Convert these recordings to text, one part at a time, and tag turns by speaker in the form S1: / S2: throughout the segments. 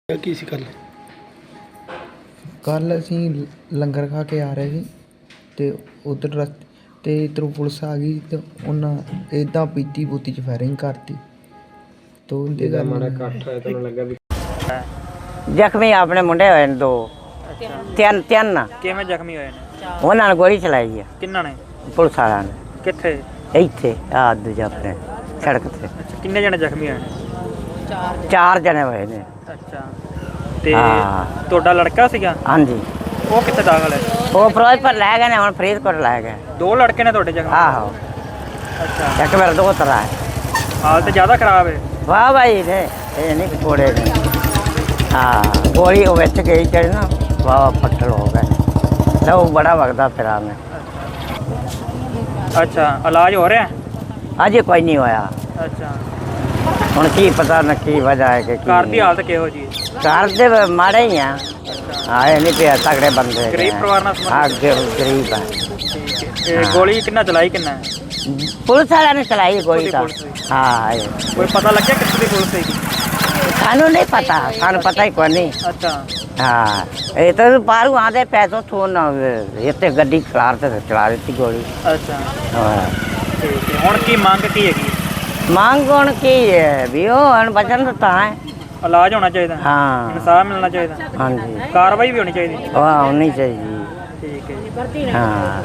S1: ਕੀ ਸੀ ਕੱਲ?
S2: ਕੱਲ ਅਸੀਂ ਲੰਗਰ ਖਾ ਕੇ ਆ ਰਹੇ ਸੀ ਤੇ ਉਧਰ ਰਸਤੇ ਤੇ ਇੱਧਰੋਂ ਪੁਲਿਸ ਆ ਗਈ ਤੇ ਉਹਨਾਂ ਇੱਦਾਂ ਪੀਤੀ ਬੂਤੀ 'ਚ ਫਾਇਰਿੰਗ ਕਰਤੀ ਤੋਂ ਉਹਦੇ ਗੱਲ
S1: ਮਾੜਾ ਇਕੱਠ ਹੋਇਆ ਤੁਹਾਨੂੰ ਲੱਗਾ ਵੀ
S3: ਜ਼ਖਮੀ ਆਪਣੇ ਮੁੰਡੇ ਹੋਏ ਨੇ ਦੋ ਤਿੰਨ
S4: ਕਿਵੇਂ ਜ਼ਖਮੀ ਹੋਏ ਨੇ?
S3: ਉਹਨਾਂ ਨੇ ਗੋਲੀ ਚਲਾਈ ਆ
S4: ਕਿੰਨਾਂ ਨੇ?
S3: ਪੁਲਿਸ ਵਾਲਿਆਂ ਨੇ
S4: ਕਿੱਥੇ?
S3: ਇੱਥੇ ਆ ਦੂਜਾ ਆਪਣੇ ਸੜਕ ਤੇ
S4: ਅੱਛਾ, ਕਿੰਨੇ ਜਣੇ ਜ਼ਖਮੀ ਹੋਏ ਨੇ?
S3: ਚਾਰ ਜਣੇ ਹੋਏ ਨੇ।
S4: ਅੱਛਾ, ਤੇ
S3: ਹਾਂ।
S4: ਤੁਹਾਡਾ ਲੜਕਾ ਸੀਗਾ?
S3: ਹਾਂਜੀ,
S4: ਉਹ ਕਿੱਥੇ ਦਾਖਲ ਹੈ?
S3: ਉਹ ਫਿਰੋਜ਼ਪੁਰ ਲੈ ਗਏ ਨੇ, ਹੁਣ ਫਰੀਦਕੋਟ ਲੈ ਗਏ।
S4: ਦੋ ਲੜਕੇ ਨੇ ਤੁਹਾਡੇ ਜ਼ਖਮੀ?
S3: ਆਹੋ,
S4: ਅੱਛਾ,
S3: ਇੱਕ ਮੇਰਾ ਦੋ ਤਰ੍ਹਾਂ ਹੈ।
S4: ਹਾਲਤ ਜ਼ਿਆਦਾ ਖਰਾਬ ਹੈ?
S3: ਵਾਹ ਭਾਈ ਨੇ ਇਹ ਨਹੀਂ ਥੋੜੇ ਨੇ। ਹਾਂ, ਗੋਲੀ ਉਹ ਵਿੱਚ ਗਈ ਚੜੀ ਨਾ, ਵਾਹ ਪੱਟਲ ਹੋ ਗਏ, ਲਹੂ ਬੜਾ ਵਗਦਾ ਫਿਰਾਂ ਮੈਂ।
S4: ਅੱਛਾ, ਇਲਾਜ ਹੋ ਰਿਹਾ?
S3: ਅਜੇ ਕੋਈ ਨਹੀਂ ਹੋਇਆ।
S4: ਅੱਛਾ,
S3: ਹੁਣ ਕੀ ਪਤਾ ਨਾ ਕੀ ਵਜ੍ਹਾ ਹੈ ਕਿ
S4: ਘਰ ਦੀ ਹਾਲਤ ਕਿਹੋ ਜੀ?
S3: ਘਰ ਦੇ ਮਾੜੇ ਹੀ ਆ। ਹਾਂ, ਇਹ ਨਹੀਂ ਪਿਆ ਤਗੜੇ ਬੰਦੇ ਹੈਗੇ
S4: ਗਰੀਬ
S3: ਆ।
S4: ਪਰਿਵਾਰ ਨਾਲ
S3: ਹਾਂ,
S4: ਸੰਬੰਧਿਤ?
S3: ਗਰੀਬ ਆ।
S4: ਠੀਕ ਹੈ, ਤੇ ਗੋਲੀ ਕਿੰਨਾ ਚਲਾਈ ਕਿੰਨਾ ਹੈ?
S3: ਪੁਲਿਸ ਵਾਲਿਆਂ ਨੇ ਚਲਾਈ ਗੋਲੀ ਤਾਂ।
S4: ਪੁਲਿਸ ਦੀ?
S3: ਹਾਂ,
S4: ਕੋਈ ਪਤਾ ਲੱਗਿਆ ਕਿੱਥੇ ਦੀ ਪੁਲਿਸ ਸੀਗੀ?
S3: ਸਾਨੂੰ ਨਹੀਂ ਪਤਾ, ਸਾਨੂੰ ਪਤਾ ਹੀ ਕੋਈ ਨਹੀਂ।
S4: ਅੱਛਾ,
S3: ਹਾਂ, ਇਹ ਤਾਂ ਬਾਹਰੋਂ ਆਦੇ ਪੈਸੋਂ ਥੋਨ ਇੱਥੇ ਗੱਡੀ ਖਲਾਰ ਤੇ ਚਲਾ ਦਿੱਤੀ ਗੋਲੀ।
S4: ਅੱਛਾ,
S3: ਹਾਂ,
S4: ਠੀਕ ਹੈ। ਹੁਣ ਕੀ ਮੰਗ ਕੀ ਹੈਗੀ?
S3: ਮੰਗ ਹੁਣ ਕੀ ਹੈ ਵੀ ਉਹ ਹੁਣ ਬਚਨ ਦਿੱਤਾ ਹੈ।
S4: ਇਲਾਜ ਹੋਣਾ ਚਾਹੀਦਾ?
S3: ਹਾਂ,
S4: ਇਨਸਾਫ ਮਿਲਣਾ ਚਾਹੀਦਾ?
S3: ਹਾਂਜੀ,
S4: ਕਾਰਵਾਈ ਵੀ ਹੋਣੀ ਚਾਹੀਦੀ?
S3: ਉਹ ਹੋਣੀ ਚਾਹੀਦੀ।
S4: ਠੀਕ ਹੈ ਜੀ।
S3: ਹਾਂ,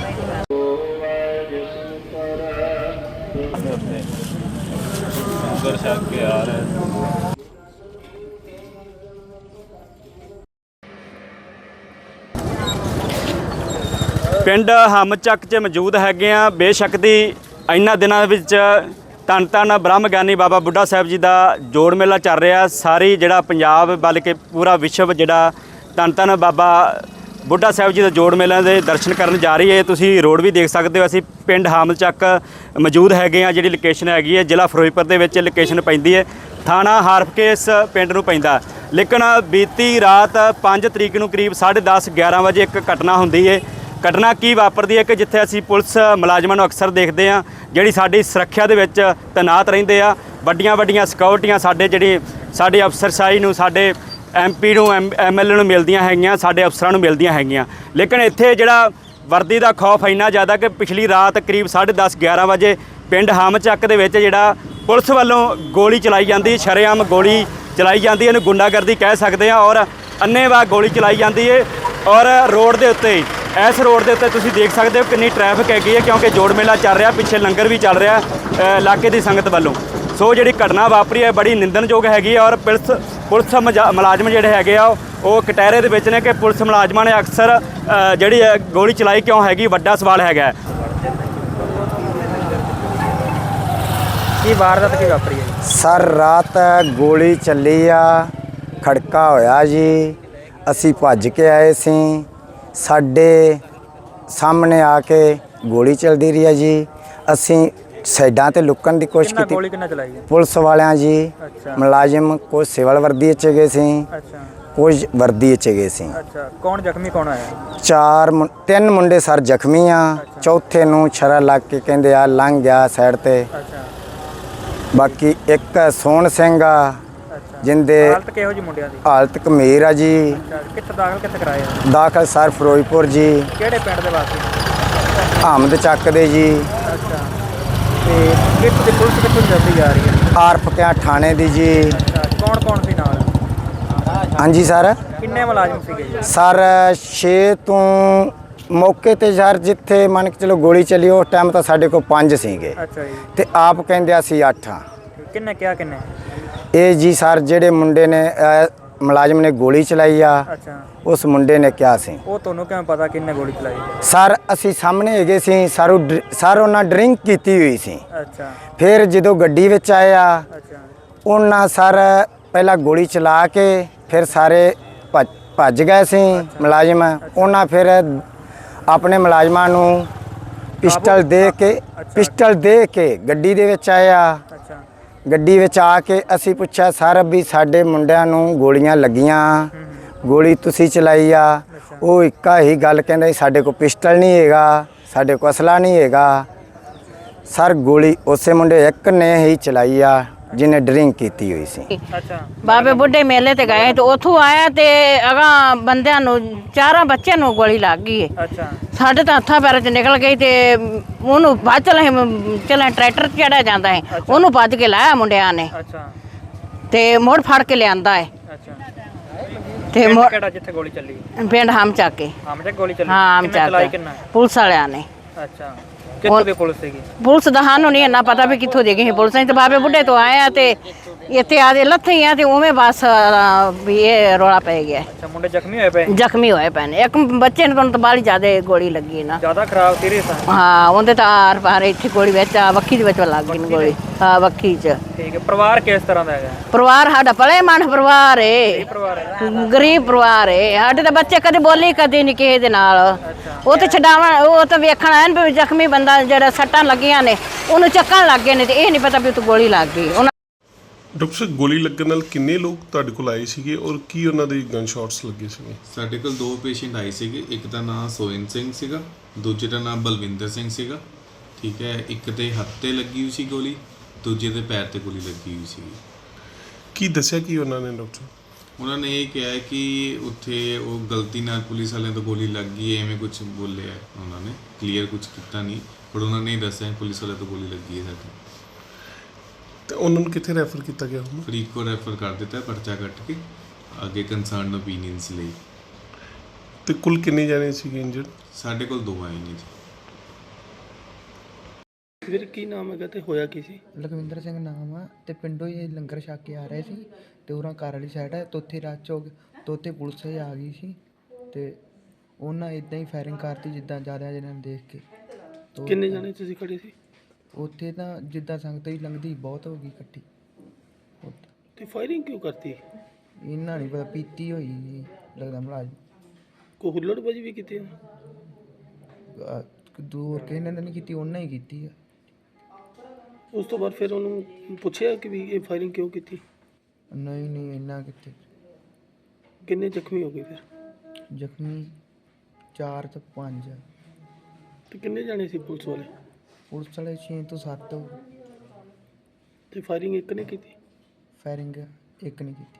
S5: ਪਿੰਡ ਹਮਚੱਕ 'ਚ ਮੌਜੂਦ ਹੈਗੇ ਆ। ਬੇਸ਼ੱਕ ਦੀ ਇਹਨਾਂ ਦਿਨਾਂ ਵਿੱਚ ਧੰਨ ਧੰਨ ਬ੍ਰਹਮ ਗਿਆਨੀ ਬਾਬਾ ਬੁੱਢਾ ਸਾਹਿਬ ਜੀ ਦਾ ਜੋੜ ਮੇਲਾ ਚੱਲ ਰਿਹਾ। ਸਾਰੀ ਜਿਹੜਾ ਪੰਜਾਬ ਬਲਕਿ ਪੂਰਾ ਵਿਸ਼ਵ ਜਿਹੜਾ ਧੰਨ ਧੰਨ ਬਾਬਾ ਬੁੱਢਾ ਸਾਹਿਬ ਜੀ ਦੇ ਜੋੜ ਮੇਲਿਆਂ ਦੇ ਦਰਸ਼ਨ ਕਰਨ ਜਾ ਰਹੀ ਹੈ। ਤੁਸੀਂ ਰੋਡ ਵੀ ਦੇਖ ਸਕਦੇ ਹੋ। ਅਸੀਂ ਪਿੰਡ ਹਮਚੱਕ ਮੌਜੂਦ ਹੈਗੇ ਆ। ਜਿਹੜੀ ਲੋਕੇਸ਼ਨ ਹੈਗੀ ਹੈ ਜ਼ਿਲ੍ਹਾ ਫਿਰੋਜ਼ਪੁਰ ਦੇ ਵਿੱਚ ਲੋਕੇਸ਼ਨ ਪੈਂਦੀ ਹੈ। ਥਾਣਾ ਹਰਫਕੇ ਇਸ ਪਿੰਡ ਨੂੰ ਪੈਂਦਾ। ਲੇਕਿਨ ਬੀਤੀ ਰਾਤ 5 ਤਰੀਕ ਨੂੰ ਕਰੀਬ 10:30 11 ਵਜੇ ਇੱਕ ਘਟਨਾ ਹੁੰਦੀ ਹੈ। ਘਟਨਾ ਕੀ ਵਾਪਰਦੀ ਹੈ ਕਿ ਜਿੱਥੇ ਅਸੀਂ ਪੁਲਿਸ ਮੁਲਾਜ਼ਮਾਂ ਨੂੰ ਅਕਸਰ ਦੇਖਦੇ ਹਾਂ ਜਿਹੜੀ ਸਾਡੀ ਸੁਰੱਖਿਆ ਦੇ ਵਿੱਚ ਤੈਨਾਤ ਰਹਿੰਦੇ ਆ। ਵੱਡੀਆਂ ਵੱਡੀਆਂ ਸਿਕਿਉਰਟੀਆਂ ਸਾਡੇ ਅਫਸਰਸ਼ਾਹੀ ਨੂੰ, ਸਾਡੇ MP ਨੂੰ, MLA ਨੂੰ ਮਿਲਦੀਆਂ ਹੈਗੀਆਂ, ਸਾਡੇ ਅਫਸਰਾਂ ਨੂੰ ਮਿਲਦੀਆਂ ਹੈਗੀਆਂ। ਲੇਕਿਨ ਇੱਥੇ ਜਿਹੜਾ ਵਰਦੀ ਦਾ ਖੌਫ ਇੰਨਾ ਜ਼ਿਆਦਾ ਕਿ ਪਿਛਲੀ ਰਾਤ ਕਰੀਬ 10:30 11 ਵਜੇ ਪਿੰਡ ਹਮਚੱਕ ਦੇ ਵਿੱਚ ਜਿਹੜਾ ਪੁਲਿਸ ਵੱਲੋਂ ਗੋਲੀ ਚਲਾਈ ਜਾਂਦੀ, ਸ਼ਰੇਆਮ ਗੋਲੀ ਚਲਾਈ ਜਾਂਦੀ, ਇਹਨੂੰ ਗੁੰਡਾਗਰਦੀ ਕਹਿ ਸਕਦੇ ਆ। ਔਰ ਅੰਨ੍ਹੇਵਾਹ ਗੋਲੀ ਚਲਾਈ ਜਾਂਦੀ ਹੈ। ਔਰ ਰੋਡ ਦੇ ਉੱਤੇ, ਇਸ ਰੋਡ ਦੇ ਉੱਤੇ ਤੁਸੀਂ ਦੇਖ ਸਕਦੇ ਹੋ ਕਿੰਨੀ ਟ੍ਰੈਫਿਕ ਹੈਗੀ ਹੈ, ਕਿਉਂਕਿ ਜੋੜ ਮੇਲਾ ਚੱਲ ਰਿਹਾ, ਪਿੱਛੇ ਲੰਗਰ ਵੀ ਚੱਲ ਰਿਹਾ ਇਲਾਕੇ ਦੀ ਸੰਗਤ ਵੱਲੋਂ। ਸੋ ਜਿਹੜੀ ਘਟਨਾ ਵਾਪਰੀ ਹੈ ਬੜੀ ਨਿੰਦਣਯੋਗ ਹੈਗੀ ਹੈ। ਔਰ ਪੁਲਿਸ ਮੁਲਾਜ਼ਮ ਜਿਹੜੇ ਹੈਗੇ ਆ ਉਹ ਕਟਹਿਰੇ ਦੇ ਵਿੱਚ ਨੇ ਕਿ ਪੁਲਿਸ ਮੁਲਾਜ਼ਮਾਂ ਨੇ ਅਕਸਰ ਜਿਹੜੀ ਗੋਲੀ ਚਲਾਈ ਕਿਉਂ ਹੈਗੀ, ਵੱਡਾ ਸਵਾਲ ਹੈਗਾ।
S4: ਕੀ ਵਾਰਦਾਤ ਕੀ ਵਾਪਰੀ ਹੈ?
S6: ਸਰ ਰਾਤ ਗੋਲੀ ਚੱਲੀ ਆ, ਖੜਕਾ ਹੋਇਆ ਜੀ। ਅਸੀਂ ਭੱਜ ਕੇ ਆਏ ਸੀ, ਸਾਡੇ ਸਾਹਮਣੇ ਆ ਕੇ ਗੋਲੀ ਚੱਲਦੀ ਰਹੀ ਹੈ ਜੀ। ਅਸੀਂ ਸਾਈਡਾਂ ਤੇ ਲੁਕਣ ਦੀ ਕੋਸ਼ਿਸ਼ ਕੀਤੀ।
S4: ਗੋਲੀ ਕਿੰਨਾ ਚਲਾਈ ਹੈ?
S6: ਪੁਲਿਸ ਵਾਲਿਆਂ ਜੀ।
S4: ਅੱਛਾ,
S6: ਮੁਲਾਜ਼ਮ ਕੁਝ ਸਿਵਲ ਵਰਦੀ 'ਚ ਗਏ ਸੀ,
S4: ਅੱਛਾ,
S6: ਕੁਝ ਵਰਦੀ 'ਚ ਗਏ ਸੀ।
S4: ਅੱਛਾ। ਕੌਣ ਜ਼ਖਮੀ ਕੌਣ ਆਇਆ?
S6: ਤਿੰਨ ਮੁੰਡੇ ਸਰ ਜ਼ਖਮੀ ਆ। ਚੌਥੇ ਨੂੰ ਛਰਾ ਲੱਗ ਕੇ ਕਹਿੰਦੇ ਆ ਲੰਘ ਗਿਆ ਸਾਈਡ ਤੇ।
S4: ਅੱਛਾ,
S6: ਬਾਕੀ ਇੱਕ ਸੋਹਣ ਸਿੰਘ ਆ
S4: ਅੱਛਾ।
S6: ਜਿੰਦੇ
S4: ਹਾਲਤ ਕਿਹੋ ਜੀ ਮੁੰਡਿਆਂ ਦੀ?
S6: ਹਾਲਤ ਗੰਭੀਰ ਆ ਜੀ।
S4: ਅੱਛਾ, ਕਿੱਥੇ ਕਰਾਇਆ?
S6: ਦਾਖਲ ਸਰ ਫਿਰੋਜ਼ਪੁਰ ਜੀ।
S4: ਕਿਹੜੇ ਪਿੰਡ ਦੇ ਵਾਸੀ?
S6: ਹਮਦ ਚੱਕ ਦੇ ਜੀ।
S4: ਅੱਛਾ, ਤੇ ਕਿੱਥੋਂ ਦੀ ਪੁਲਿਸ ਕਿੱਥੋਂ ਜਲਦੀ ਜਾ ਰਹੀ ਹੈ?
S6: ਆਰਫਕਿਆ ਥਾਣੇ ਦੀ ਜੀ।
S4: ਅੱਛਾ, ਕੌਣ ਸੀ ਨਾਲ?
S6: ਹਾਂਜੀ ਸਰ।
S4: ਕਿੰਨੇ ਮੁਲਾਜ਼ਮ ਸੀਗੇ ਜੀ?
S6: ਸਰ 6 ਤੋਂ ਮੌਕੇ ਤੇ ਸਰ ਜਿੱਥੇ ਮੰਨ ਕੇ ਚਲੋ ਗੋਲੀ ਚੱਲੀ ਉਸ ਟਾਈਮ ਤਾਂ ਸਾਡੇ ਕੋਲ 5 ਸੀਗੇ
S4: ਅੱਛਾ ਜੀ।
S6: ਤੇ ਆਪ ਕਹਿੰਦੇ ਅਸੀਂ 8 ਆ।
S4: ਕਿੰਨੇ ਕਿਹਾ ਕਿੰਨੇ?
S6: ਇਹ ਜੀ ਸਰ ਜਿਹੜੇ ਮੁੰਡੇ ਨੇ ਮੁਲਾਜ਼ਮ ਨੇ ਗੋਲੀ ਚਲਾਈ ਆ,
S4: ਅੱਛਾ,
S6: ਉਸ ਮੁੰਡੇ ਨੇ ਕਿਹਾ ਸੀ।
S4: ਉਹ ਤੁਹਾਨੂੰ ਕਿਵੇਂ ਪਤਾ ਕਿੰਨੇ ਗੋਲੀ ਚਲਾਈ?
S6: ਸਰ ਅਸੀਂ ਸਾਹਮਣੇ ਹੈਗੇ ਸੀ। ਸਰ ਉਹਨਾਂ ਡਰਿੰਕ ਕੀਤੀ ਹੋਈ ਸੀ।
S4: ਅੱਛਾ,
S6: ਫਿਰ ਜਦੋਂ ਗੱਡੀ ਵਿੱਚ ਆਇਆ
S4: ਅੱਛਾ,
S6: ਉਹਨਾਂ ਸਰ ਪਹਿਲਾਂ ਗੋਲੀ ਚਲਾ ਕੇ ਫਿਰ ਸਾਰੇ ਭੱਜ ਗਏ ਸੀ ਮੁਲਾਜ਼ਮ। ਉਹਨਾਂ ਫਿਰ ਆਪਣੇ ਮੁਲਾਜ਼ਮਾਂ ਨੂੰ ਪਿਸਟਲ ਦੇ ਕੇ ਗੱਡੀ ਦੇ ਵਿੱਚ ਆਇਆ।
S4: ਅੱਛਾ,
S6: ਗੱਡੀ ਵਿੱਚ ਆ ਕੇ ਅਸੀਂ ਪੁੱਛਿਆ ਸਰ ਵੀ ਸਾਡੇ ਮੁੰਡਿਆਂ ਨੂੰ ਗੋਲੀਆਂ ਲੱਗੀਆਂ, ਗੋਲੀ ਤੁਸੀਂ ਚਲਾਈ ਆ? ਉਹ ਇੱਕਾ ਹੀ ਗੱਲ ਕਹਿੰਦਾ ਸਾਡੇ ਕੋਲ ਪਿਸਟਲ ਨਹੀਂ ਹੈਗਾ, ਸਾਡੇ ਕੋਲ ਅਸਲਾ ਨਹੀਂ ਹੈਗਾ। ਸਰ ਗੋਲੀ ਉਸੇ ਮੁੰਡੇ ਇੱਕ ਨੇ ਹੀ ਚਲਾਈ ਆ, ਜਿਹਨੇ ਡਰਿੰਕ ਕੀਤੀ ਹੋਈ ਸੀ।
S4: ਅੱਛਾ
S3: ਬਾਬੇ ਬੁੱਢੇ ਮੇਲੇ ਤੇ ਗਏ ਤੇ ਉੱਥੋਂ ਆਇਆ ਤੇ ਅਗਾਂ ਬੰਦਿਆਂ ਨੂੰ 4 ਬੱਚਿਆਂ ਨੂੰ ਗੋਲੀ ਲੱਗ ਗਈ ਹੈ।
S4: ਅੱਛਾ
S3: ਸਾਡੇ ਤਾਂ ਹੱਥਾਂ ਪੈਰਾਂ 'ਚ ਨਿਕਲ ਗਈ ਤੇ ਉਹਨੂੰ ਭੱਜ ਚਲੇ ਟਰੈਕਟਰ ਚੜਿਆ ਜਾਂਦਾ ਹੈ, ਉਹਨੂੰ ਭੱਜ ਕੇ ਲਾਇਆ ਮੁੰਡਿਆਂ ਨੇ
S4: ਅੱਛਾ
S3: ਤੇ ਮੁੜ ਫੜ ਕੇ ਲਿਆਂਦਾ ਹੈ
S4: ਅੱਛਾ
S3: ਤੇ
S4: ਪਿੰਡ ਕਿਹੜਾ ਜਿੱਥੇ ਗੋਲੀ ਚੱਲੀ?
S3: ਪਿੰਡ ਹਮ ਚੱਕ ਕੇ।
S4: ਆਮ ਚੱਕ ਗੋਲੀ ਚੱਲੀ?
S3: ਹਾਂ ਹਮ
S4: ਕਿੰਨੇ ਚਲਾਈ
S3: ਚੱਕ
S4: ਕਿੰਨਾ?
S3: ਪੁਲਿਸ ਵਾਲਿਆਂ ਨੇ।
S4: ਅੱਛਾ ਕਿੱਥੋਂ ਦੀ ਪੁਲਿਸ ਸੀਗੀ?
S3: ਪੁਲਿਸ ਦਾ ਸਾਨੂੰ ਨਹੀਂ ਇੰਨਾ ਪਤਾ ਵੀ ਕਿੱਥੋਂ ਦੇ ਗਈ ਸੀ ਪੁਲਿਸ ਨੇ, ਤੇ ਬਾਬੇ ਬੁੱਢੇ ਤੋਂ ਆਏ ਆ ਤੇ ਇੱਥੇ ਆਦੇ ਲੱਥੇ ਆ ਤੇ ਉਵੇਂ ਬਸ ਵੀ ਇਹ ਰੌਲਾ ਪੈ ਗਿਆ।
S4: ਅੱਛਾ ਮੁੰਡੇ ਜ਼ਖਮੀ ਹੋਏ ਪਏ?
S3: ਜ਼ਖਮੀ ਹੋਏ ਪਏ ਨੇ। ਇੱਕ ਬੱਚੇ ਨੂੰ ਤਾਂ ਬਾਹਲੀ ਜ਼ਿਆਦਾ ਗੋਲੀ ਲੱਗੀ ਨਾ।
S4: ਜ਼ਿਆਦਾ ਖਰਾਬ ਸੀਰੀਅਸ ਆ?
S3: ਹਾਂ ਉਹਦੇ ਤਾਂ ਆਰ ਪਾਰ ਇੱਥੇ ਗੋਲੀ ਵਿੱਚ ਵੱਖੀ ਦੇ ਵਿੱਚ ਲੱਗ ਗਈ ਗੋਲੀ। ਹਾਂ ਵੱਖੀ 'ਚ।
S4: ਠੀਕ ਹੈ। ਪਰਿਵਾਰ ਕਿਸ ਤਰ੍ਹਾਂ ਦਾ ਹੈਗਾ?
S3: ਪਰਿਵਾਰ ਸਾਡਾ ਭਲੇ ਮਨ ਪਰਿਵਾਰ ਏ,
S4: ਪਰਿਵਾਰ ਹੈ?
S3: ਗਰੀਬ ਪਰਿਵਾਰ ਏ। ਸਾਡੇ ਤਾਂ ਬੱਚੇ ਕਦੇ ਬੋਲੇ ਕਦੇ ਨਹੀਂ ਕਿਸੇ ਦੇ ਨਾਲ। ਉਹ ਤੇ ਛਡਾਵਣ ਉਹ ਤਾਂ ਵੇਖਣ ਆਏ ਨੇ ਵੀ ਜ਼ਖਮੀ ਬੰਦਾ ਜਿਹੜਾ ਸੱਟਾਂ ਲੱਗੀਆਂ ਨੇ ਉਹਨੂੰ ਚੱਕਣ ਲੱਗ ਗਏ ਨੇ ਤੇ ਇਹ ਨਹੀਂ ਪਤਾ ਵੀ ਉਹ ਗੋਲੀ ਲੱਗ ਗਈ।
S1: ਡਾਕਟਰ ਸਾਹਿਬ, ਗੋਲੀ ਲੱਗਣ ਨਾਲ ਕਿੰਨੇ ਲੋਕ ਤੁਹਾਡੇ ਕੋਲ ਆਏ ਸੀਗੇ ਔਰ ਕੀ ਉਹਨਾਂ ਦੇ ਗਨ ਸ਼ਾਟਸ ਲੱਗੇ ਸੀਗੇ?
S7: ਸਾਡੇ ਕੋਲ 2 ਪੇਸ਼ੈਂਟ ਆਏ ਸੀਗੇ। ਇੱਕ ਦਾ ਨਾਮ ਸੋਇਨ ਸਿੰਘ ਸੀਗਾ, ਦੂਜੇ ਦਾ ਨਾਮ ਬਲਵਿੰਦਰ ਸਿੰਘ ਸੀਗਾ। ਠੀਕ ਹੈ। ਇੱਕ ਤੇ ਹੱਥ ਤੇ ਲੱਗੀ ਹੋਈ ਸੀ ਗੋਲੀ, ਦੂਜੇ ਦੇ ਪੈਰ ਤੇ ਗੋਲੀ ਲੱਗੀ ਹੋਈ ਸੀਗੀ।
S1: ਕੀ ਦੱਸਿਆ ਕੀ ਉਹਨਾਂ ਨੇ ਡਾਕਟਰ?
S7: ਉਹਨਾਂ ਨੇ ਇਹ ਕਿਹਾ ਕਿ ਉੱਥੇ ਉਹ ਗਲਤੀ ਨਾਲ ਪੁਲਿਸ ਵਾਲਿਆਂ ਤੋਂ ਗੋਲੀ ਲੱਗ ਗਈ ਐਵੇਂ ਕੁਝ ਬੋਲਿਆ ਉਹਨਾਂ ਨੇ। ਕਲੀਅਰ ਕੁਝ ਕੀਤਾ ਨਹੀਂ, ਪਰ ਉਹਨਾਂ ਨੇ ਦੱਸਿਆ ਪੁਲਿਸ ਵਾਲਿਆਂ ਤੋਂ ਗੋਲੀ ਲੱਗੀ ਹੈ ਸਾਡੀ।
S1: ਤੇ ਉਹਨਾਂ ਨੂੰ ਕਿੱਥੇ ਰੈਫਰ ਕੀਤਾ ਗਿਆ ਹੁਣ?
S7: ਫਰੀਦਕੋਟ ਰੈਫਰ ਕਰ ਦਿੱਤਾ ਪਰਚਾ ਕੱਟ ਕੇ ਅੱਗੇ ਕੰਸਰਨ ਓਪੀਨੀਅਨਸ ਲਈ।
S1: ਤੇ ਕੁੱਲ ਕਿੰਨੇ ਜਾਣੇ ਸੀਗੇ ਇੰਜਰਡ?
S7: ਸਾਡੇ ਕੋਲ 2 ਆਏ ਨੇ ਜੀ।
S4: ਵੀਰ ਕੀ ਨਾਮ ਹੈਗਾ ਤੇ ਹੋਇਆ ਕੀ ਸੀ?
S2: ਲਖਵਿੰਦਰ ਸਿੰਘ ਨਾਮ ਆ ਤੇ ਪਿੰਡੋਂ ਹੀ ਇਹ ਲੰਗਰ ਛਕ ਕੇ ਆ ਰਹੇ ਸੀ ਤੇ ਉਹਨਾਂ ਘਰ ਵਾਲੀ ਸਾਈਡ ਹੈ ਤੋਥੇ ਰੱਚ ਹੋ ਗਿਆ ਤੇ ਉੱਥੇ ਪੁਲਿਸ ਆ ਗਈ ਸੀ ਤੇ ਉਹਨਾਂ ਇਦਾਂ ਹੀ ਫਾਇਰਿੰਗ ਕਰਤੀ ਜਿੱਦਾਂ ਜ਼ਿਆਦਾ ਜਣਿਆਂ ਨੂੰ ਦੇਖ ਕੇ।
S4: ਕਿੰਨੇ ਜਣੇ ਤੁਸੀਂ ਖੜੇ ਸੀ
S2: ਉੱਥੇ? ਤਾਂ ਜਿੱਦਾਂ ਸੰਗਤ ਹੀ ਲੰਘਦੀ ਬਹੁਤ ਹੋ ਗਈ ਇਕੱਠੀ।
S4: ਤੇ ਫਾਇਰਿੰਗ ਕਿਉਂ ਕਰਤੀ?
S2: ਇਹਨਾਂ ਨਹੀਂ ਪਤਾ, ਪੀਤੀ ਹੋਈ ਜੀ ਲੱਗਦਾ ਮੁਲਾਜ਼ਮ।
S4: ਕੋਈ ਹੁੱਲੜਬਾਜੀ ਵੀ ਕੀਤੀ?
S2: ਦੂਰ ਕਿਸੇ ਨੇ ਨਹੀਂ ਕੀਤੀ, ਉਹਨਾਂ ਹੀ ਕੀਤੀ ਆ।
S4: ਉਸ ਤੋਂ ਬਾਅਦ ਫਿਰ ਉਹਨੂੰ ਪੁੱਛਿਆ ਕਿ ਵੀ ਇਹ ਫਾਇਰਿੰਗ ਕਿਉਂ ਕੀਤੀ?
S2: ਨਹੀਂ ਇੰਨਾ ਕਿੱਥੇ।
S4: ਕਿੰਨੇ ਜ਼ਖਮੀ ਹੋ ਗਏ ਫਿਰ?
S2: ਜ਼ਖਮੀ 4 ਤੋਂ 5 ਆ।
S4: ਤੇ ਕਿੰਨੇ ਜਾਣੇ ਸੀ ਪੁਲਿਸ ਵਾਲੇ?
S2: ਪੁਲਿਸ ਵਾਲੇ 6 ਤੋਂ 7
S4: ਤੇ ਫਾਇਰਿੰਗ ਇੱਕ ਨੇ ਕੀਤੀ?
S2: ਫਾਇਰਿੰਗ ਇੱਕ ਨਹੀਂ ਕੀਤੀ।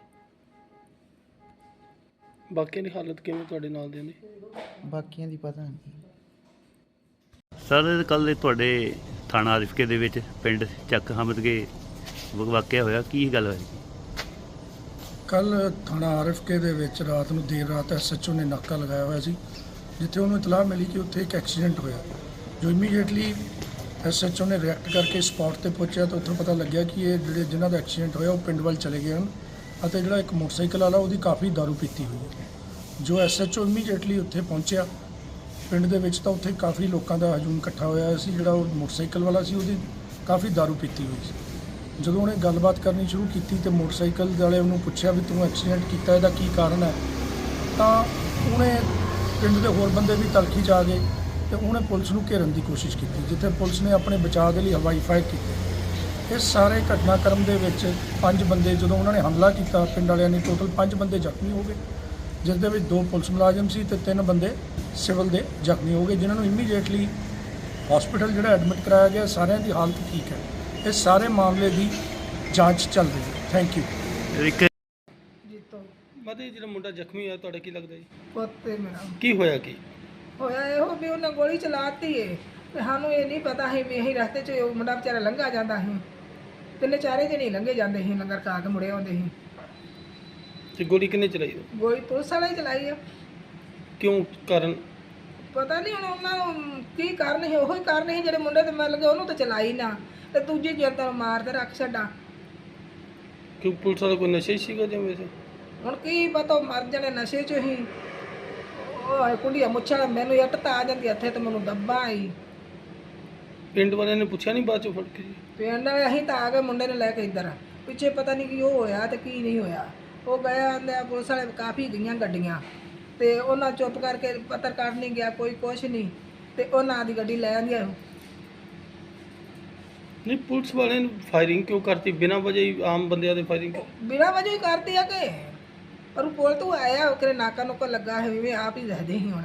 S4: ਬਾਕੀਆਂ ਦੀ ਹਾਲਤ ਕਿਵੇਂ ਤੁਹਾਡੇ ਨਾਲ ਦੇ ਨੇ?
S2: ਬਾਕੀਆਂ ਦੀ ਪਤਾ ਨਹੀਂ।
S8: ਸਰ ਕੱਲ੍ਹ ਤੁਹਾਡੇ ਥਾਣਾ ਆਰਿਫਕੇ ਦੇ ਵਿੱਚ ਪਿੰਡ ਚੱਕ ਹਮਦਗੇ ਵਾਕਿਆ ਹੋਇਆ, ਕੀ ਗੱਲ ਹੋਈ?
S9: ਕੱਲ੍ਹ ਥਾਣਾ ਆਰਿਫਕੇ ਦੇ ਵਿੱਚ ਰਾਤ ਨੂੰ ਦੇਰ ਰਾਤ ਐਸਐਚਓ ਨੇ ਨਾਕਾ ਲਗਾਇਆ ਹੋਇਆ ਸੀ, ਜਿੱਥੇ ਉਹਨੂੰ ਇਤਲਾਹ ਮਿਲੀ ਕਿ ਉੱਥੇ ਇੱਕ ਐਕਸੀਡੈਂਟ ਹੋਇਆ। ਜੋ ਇਮੀਡੀਏਟਲੀ ਐਸਐਚਓ ਨੇ ਰਿਐਕਟ ਕਰਕੇ ਸਪੌਟ ਤੇ ਪਹੁੰਚਿਆ ਤਾਂ ਉੱਥੋਂ ਪਤਾ ਲੱਗਿਆ ਕਿ ਇਹ ਜਿਹੜੇ ਜਿਨ੍ਹਾਂ ਦਾ ਐਕਸੀਡੈਂਟ ਹੋਇਆ ਉਹ ਪਿੰਡ ਵੱਲ ਚਲੇ ਗਏ ਹਨ ਅਤੇ ਜਿਹੜਾ ਇੱਕ ਮੋਟਰਸਾਈਕਲ ਵਾਲਾ ਉਹਦੀ ਕਾਫੀ ਦਾਰੂ ਪੀਤੀ ਹੋਈ ਹੈ। ਜੋ ਐਸਐਚਓ ਇਮੀਡੀਏਟਲੀ ਉੱਥੇ ਪਹੁੰਚਿਆ ਪਿੰਡ ਦੇ ਵਿੱਚ ਤਾਂ ਉੱਥੇ ਕਾਫੀ ਲੋਕਾਂ ਦਾ ਹਜੂਮ ਇਕੱਠਾ ਹੋਇਆ ਸੀ। ਜਿਹੜਾ ਉਹ ਮੋਟਰਸਾਈਕਲ ਵਾਲਾ ਸੀ ਉਹਦੀ ਕਾਫੀ ਦਾਰੂ ਪੀਤੀ ਹੋਈ ਸੀ। ਜਦੋਂ ਉਹਨੇ ਗੱਲਬਾਤ ਕਰਨੀ ਸ਼ੁਰੂ ਕੀਤੀ ਤੇ ਮੋਟਰਸਾਈਕਲ ਵਾਲੇ ਉਹਨੂੰ ਪੁੱਛਿਆ ਵੀ ਤੂੰ ਐਕਸੀਡੈਂਟ ਕੀਤਾ, ਇਹਦਾ ਕੀ ਕਾਰਨ ਹੈ, ਤਾਂ ਉਹਨੇ ਪਿੰਡ ਦੇ ਹੋਰ ਬੰਦੇ ਵੀ ਤਲਖੀ 'ਚ ਆ ਗਏ ਤੇ ਉਹਨੇ ਪੁਲਿਸ ਨੂੰ ਘੇਰਨ ਦੀ ਕੋਸ਼ਿਸ਼ ਕੀਤੀ, ਜਿੱਥੇ ਪੁਲਿਸ ਨੇ ਆਪਣੇ ਬਚਾਅ ਦੇ ਲਈ ਹਵਾਈ ਫਾਇਰ ਕੀਤੀ। ਇਸ ਸਾਰੇ ਘਟਨਾਕ੍ਰਮ ਦੇ ਵਿੱਚ 5 ਬੰਦੇ ਜਦੋਂ ਉਹਨਾਂ ਨੇ ਹਮਲਾ ਕੀਤਾ ਪਿੰਡ ਵਾਲਿਆਂ ਨੇ, ਟੋਟਲ 5 ਬੰਦੇ ਜ਼ਖਮੀ ਹੋ ਗਏ, ਜਿਸ ਦੇ ਵਿੱਚ 2 ਪੁਲਿਸ ਮੁਲਾਜ਼ਮ ਸੀ ਤੇ 3 ਬੰਦੇ ਸਿਵਲ ਦੇ ਜ਼ਖਮੀ ਹੋ ਗਏ, ਜਿਨ੍ਹਾਂ ਨੂੰ ਇਮੀਡੀਏਟਲੀ ਹਸਪੀਟਲ ਜਿਹੜਾ ਐਡਮਿਟ ਕਰਾਇਆ ਗਿਆ। ਸਾਰਿਆਂ ਦੀ ਹਾਲਤ ਠੀਕ ਹੈ। ਇਸ ਸਾਰੇ ਮਾਮਲੇ ਦੀ ਜਾਂਚ ਚੱਲ ਰਹੀ ਹੈ। Thank you.
S8: ਇੱਕ
S4: ਮਤੇ ਜਿਹੜਾ ਮੁੰਡਾ ਜ਼ਖਮੀ ਹੋਇਆ ਤੁਹਾਡਾ ਕੀ ਲੱਗਦਾ ਜੀ?
S10: ਪੁੱਤੇ ਮੇਰਾ
S4: ਕੀ ਹੋਇਆ? ਕੀ
S10: ਹੋਇਆ ਇਹੋ ਵੀ ਉਹਨਾਂ ਗੋਲੀ ਚਲਾਤੀ ਏ ਤੇ ਸਾਨੂੰ ਇਹ ਨਹੀਂ ਪਤਾ ਸੀ ਵੀ ਅਸੀਂ ਰਸਤੇ 'ਚ ਉਹ ਮੁੰਡਾ ਵਿਚਾਰਾ ਲੰਘਾ ਜਾਂਦਾ ਸੀ। 3-4 ਜਣੇ ਲੰਘੇ ਜਾਂਦੇ ਸੀ, ਲੰਗਰ ਖਾ ਕੇ ਮੁੜੇ ਆਉਂਦੇ ਸੀ।
S4: ਤੇ ਗੋਲੀ ਕਿੰਨੇ ਚਲਾਈ?
S10: ਗੋਲੀ ਪੁਲਿਸ ਵਾਲੇ ਹੀ ਚਲਾਈ ਆ।
S4: ਕਿਉਂ? ਕਾਰਨ
S10: ਪਤਾ ਨਹੀਂ ਹੁਣ ਉਹਨਾਂ ਨੂੰ ਕੀ ਕਾਰਨ ਸੀ। ਉਹੀ ਕਾਰਨ ਸੀ ਜਿਹੜੇ ਮੁੰਡੇ ਤੇ ਮਿਲ ਗਏ ਉਹਨੂੰ ਤਾਂ ਚਲਾਈ ਨਾ ਤੇ ਦੂਜੀ ਜਨਤਾ ਨੂੰ ਮਾਰ ਤੇ ਰੱਖ ਛੱਡਾ।
S4: ਕਿਉਂ ਪੁਲਿਸ ਵਾਲਾ ਕੋਈ ਨਸ਼ੇ ਸੀਗਾ ਜਾਂ ਵੈਸੇ?
S10: ਹੁਣ ਕੀ ਪਤਾ, ਉਹ ਮਰ ਜਾਣੇ ਨਸ਼ੇ 'ਚ ਹੀ। ਉਹ ਕੁੰਡੀਆਂ ਮੁੱਛਾਂ ਮੈਨੂੰ ਇੱਟ ਤਾਂ ਆ ਜਾਂਦੀ ਹੱਥੇ ਤੇ ਮੈਨੂੰ ਦੱਬਾ ਆਈ।
S4: ਪਿੰਡ ਵਾਲਿਆਂ ਨੇ ਪੁੱਛਿਆ ਨਹੀਂ ਬਾਅਦ ਚੋਂ ਫੜ ਕੇ ਜੀ?
S10: ਪਿੰਡ ਵਾਲੇ ਅਸੀਂ ਤਾਂ ਆ ਗਏ ਮੁੰਡੇ ਨੂੰ ਲੈ ਕੇ ਇੱਧਰ, ਪਿੱਛੇ ਪਤਾ ਨਹੀਂ ਕੀ ਉਹ ਹੋਇਆ ਤੇ ਕੀ ਨਹੀਂ ਹੋਇਆ। ਉਹ ਗਿਆ ਆਂਦੇ ਪੁਲਿਸ ਵਾਲੇ ਕਾਫੀ ਗਈਆਂ ਗੱਡੀਆਂ ਤੇ ਉਹਨਾਂ ਚੁੱਪ ਕਰਕੇ ਪੱਤਰਕਾਰ ਨਹੀਂ ਗਿਆ, ਕੋਈ ਕੁਛ ਨਹੀਂ ਤੇ ਉਹਨਾਂ ਦੀ ਗੱਡੀ ਲੈ ਆਂਦੀ।
S4: ਨਹੀਂ ਪੁਲਿਸ ਵਾਲਿਆਂ ਨੇ ਫਾਇਰਿੰਗ ਕਿਉਂ ਕਰਤੀ ਬਿਨਾਂ ਵਜ੍ਹਾ ਹੀ? ਆਮ ਬੰਦਿਆਂ ਦੇ ਫਾਇਰਿੰਗ
S10: ਬਿਨਾਂ ਵਜ੍ਹਾ ਹੀ ਕਰਦੀ ਆ ਕਿ ਪਰ ਪੁਲ ਤੋਂ ਆਇਆ ਉਹ ਕਿਰੇ ਨਾਕਾ ਨੁਕਾ ਲੱਗਾ ਹੈ ਵੀ ਆਪ ਹੀ ਦੱਸਦੇ ਸੀ ਹੁਣ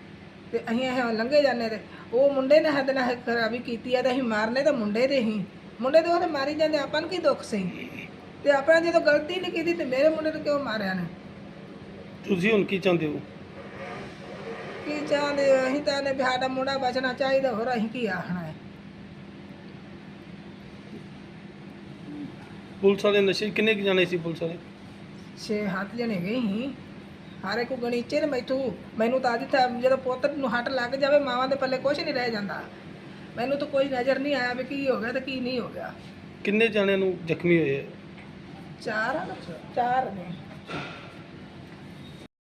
S10: ਤੇ ਅਸੀਂ ਇਹ ਲੰਘੇ ਜਾਂਦੇ ਤੇ ਉਹ ਮੁੰਡੇ ਨੇ ਹੱਦ ਨਾਲ ਖਰਾਬੀ ਕੀਤੀ ਆ ਤੇ ਅਸੀਂ ਮਾਰਨੇ ਤਾਂ ਮੁੰਡੇ ਦੇ ਹੀ ਮੁੰਡੇ ਦੇ ਉਹਦੇ ਮਾਰੀ ਜਾਂਦੇ, ਆਪਾਂ ਨੂੰ ਕੀ ਦੁੱਖ ਸੀ? ਤੇ ਆਪਣਾ ਜਦੋਂ ਗਲਤੀ ਨਹੀਂ ਕੀਤੀ ਤੇ ਮੇਰੇ ਮੁੰਡੇ ਨੂੰ ਕਿਉਂ ਮਾਰਿਆ ਨੇ?
S4: ਤੁਸੀਂ ਹੁਣ ਕੀ ਚਾਹੁੰਦੇ ਹੋ?
S10: ਕੀ ਚਾਹੁੰਦੇ ਹੋ? ਅਸੀਂ ਤਾਂ ਨੇ ਵੀ ਸਾਡਾ ਮੁੰਡਾ ਬਚਣਾ ਚਾਹੀਦਾ, ਹੋਰ ਅਸੀਂ ਕੀ ਆਖਣਾ ਹੈ?
S4: ਪੁਲਿਸ ਵਾਲੇ ਨਸ਼ੇ ਕਿੰਨੇ ਕੁ ਜਾਣੇ ਸੀ ਪੁਲਿਸ ਵਾਲੇ?
S10: 6-7 ਜਣੇ ਗਏ ਸੀ, ਹਾਰੇ ਕੋ ਗਣੀਚੇ ਨੇ ਮੈਨੂੰ ਤਾਂ ਅੱਜ ਤਾਂ ਜਦੋਂ ਪੁੱਤ ਨੂੰ ਹੱਟ ਲੱਗ ਜਾਵੇ ਮਾਵਾਂ ਦੇ ਪੱਲੇ ਕੁਝ ਨਹੀਂ ਰਹਿ ਜਾਂਦਾ। ਮੈਨੂੰ ਤਾਂ ਕੋਈ ਨਜ਼ਰ ਨਹੀਂ ਆਇਆ ਵੀ ਕੀ ਹੋ ਗਿਆ ਤੇ ਕੀ ਨਹੀਂ ਹੋ ਗਿਆ।
S4: ਕਿੰਨੇ ਜਾਣਿਆਂ ਨੂੰ ਜ਼ਖਮੀ ਹੋਏ ਆ?
S10: 4 ਨੇ।